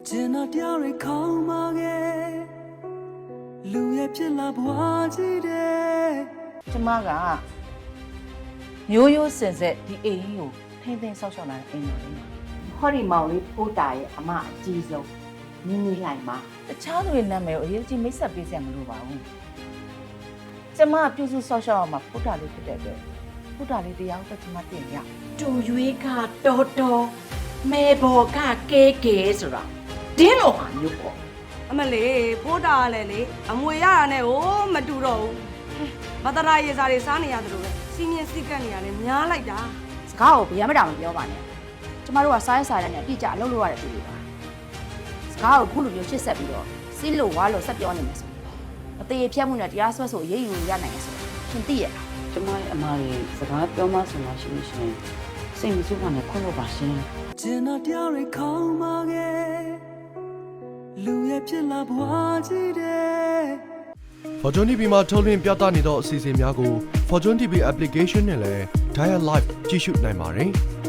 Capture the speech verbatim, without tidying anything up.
ကျင်နာတရားတွေခေါင်းမာခဲ့လူရဲ့ဖြစ်လာဘွားကြီးတဲ့ကျမကမျိုးရိုးစင်ဆက်ဒီအိမ်ကြီးကိုထိမ့်သိမ်းဆောက်ရှောက်လာတဲ့အိမ်ပါလေဟောဒီမောင်လေးဖိုးတာရဲ့အမအကြီးဆုံးနင်းနေလိုက်မှာတခြားသူတွေနာမည်ကိုအရေးကြီးမိတ်ဆက်ပေးစရာမလိုပါဘူးကျမပြုစုဆောက်ရှောက်အောင်မှာဖုတာလေးဖြစ်တဲ့အတွက်ဖုတာလေးတရားဥပဒေကျမတင်ရတူရွေးကတော်တော်မဲဘော်ကကဲကဲဆိုတာတင်းလို့ဟာမျိုးပေါ့အမလေးဖိုးတာလည်းလေအမွေရတာနဲ့ဟိုမတူတော့ဘူးမတရာရေစာတွေစားနေရတယ်လို့ပဲစီမင်းစိတ်ကပ်နေရတယ်များလိုက်တာစကားကိုဗျာမတာမပြောပါနဲ့ကျမတို့ကစားရစားရတဲ့နဲ့အပြည့်ကြအလုပ်လုပ်ရတဲ့ပြည်တွေပါစကားကိုခုလိုမျိုးရှစ်ဆက်ပြီးတော့စီးလို့ဝါလို့ဆက်ပြောနေမယ်ဆိုအသေးဖြတ်မှုနဲ့တရားစွဲဆိုရေးယူရနိုင်တယ်ဆိုရှင်သိရလားကျမရဲ့အမလေးစကားပြောမှဆိုမှရှိလို့ရှိရင်စိတ်မဆိုးပါနဲ့ခွင့်လို့ပါရှင်ကျင်နာတရားတွေခေါင်းမာခဲ့လူရဲ့ဖြစ်လာဘွားကြီးတဲ့ Fortune တီ ဗီ မှာထုတ်လွှင့်ပြသနေသောအစီအစဉ်များကို Fortune တီ ဗီ application နဲ့လည်း Dial Live ကြည့်ရှုနိုင်ပါတယ်။